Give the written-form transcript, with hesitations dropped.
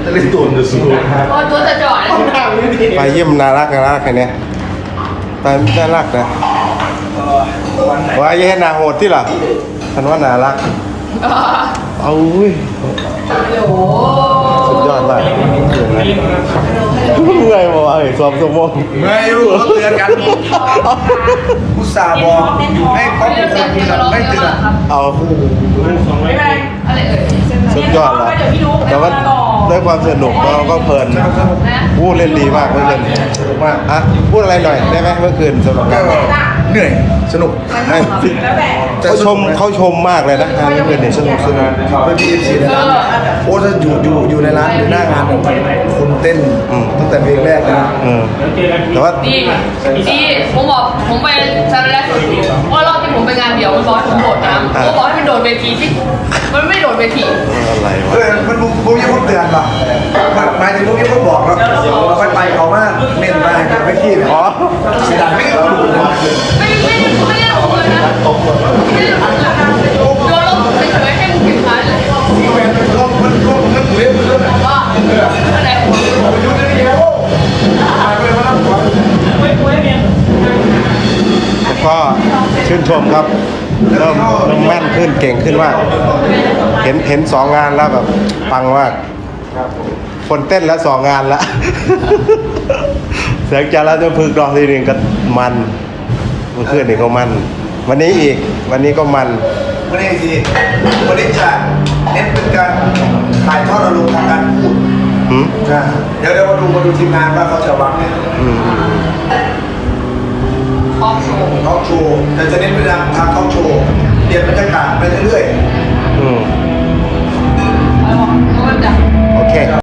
จะเล่นตัวจะสู้โอ้ตัวจะจอดเลยไปเยี่ยมน่ารักแค่นี้ไปน่ารักนะว่าแย่นาโหดที่หรอฉันว่าน่ารักเอาอุ้ยโอ้โหสุดยอดมากเมื่อยบอกไอ้สอบสมองไม่รู้เขาเตือนกันผู้สาบอกให้เขาเป็นคนเตือนไม่เตือนเอาอะไรเอ่ยสุดยอดแล้วแต่ว่าด้วยความสนุกเราก็เพลินนะพูดเล่นดีมากเมื่อคืนมากอ่ะพูดอะไรหน่อยได้ไหมเมื่อคืนสำหรับการเหนื่อยสนุกเขาชมมากเลยนะงานเมื่อคืนเนี่ยสนุกไม่มีเอฟซีในร้านโอ้ถ้าอยู่ในร้านอยู่หน้างานคนเต้นตั้งแต่เพลงแรกนะแต่ว่าดีผมบอกผมไปซาร์แรกสุดว่ารอบที่ผมไปงานเดี่ยวมันบอกให้ผมโดดน้ำผมบอกให้มันโดดเวทีที่มันไม่โดดเวทีอะไรวะมันพวกนี้พวกเตือนป่ะหมายถึงพวกนี้พวกบอกแล้วไปเขามากเน้นมาไม่ขี้เลยอ๋อสีดำไม่รู้ไม่ได้ลงเลยนะไม่ได้ลงเลยโดนลงเฉยๆให้มึงผิดพลาดเลยมันเล่นมันบอกว่าอะไรอยู่ในนี้โอ้ไปมาแล้วหัวแล้วก็ชื่นชมครับเริ่มแม่นขึ้นเก่งขึ้นมากเห็น2 งานแล้วแบบปังมากคนเต้นแล้ว2 งานแล้ว เสียงจาราจะพึกรองทีหนึ่งก็มันเมื่อคืนนี่ก็มัน วันนี้อีกวันนี้ก็มันวันนี้ทีวันนี้จะเน้นเป็นการถ่ายทอดอารมณ์ทางการพูดหืมเดี๋ยวมาดูทีมงานว่าเขาจะวางเนี่ยทอล์กโชว์ทอล์กโชว์แต่จะเน้นไปทางทอล์กโชว์เปลี่ยนบรรยากาศไปเรื่อยๆอืมแล้วก็จะโอเค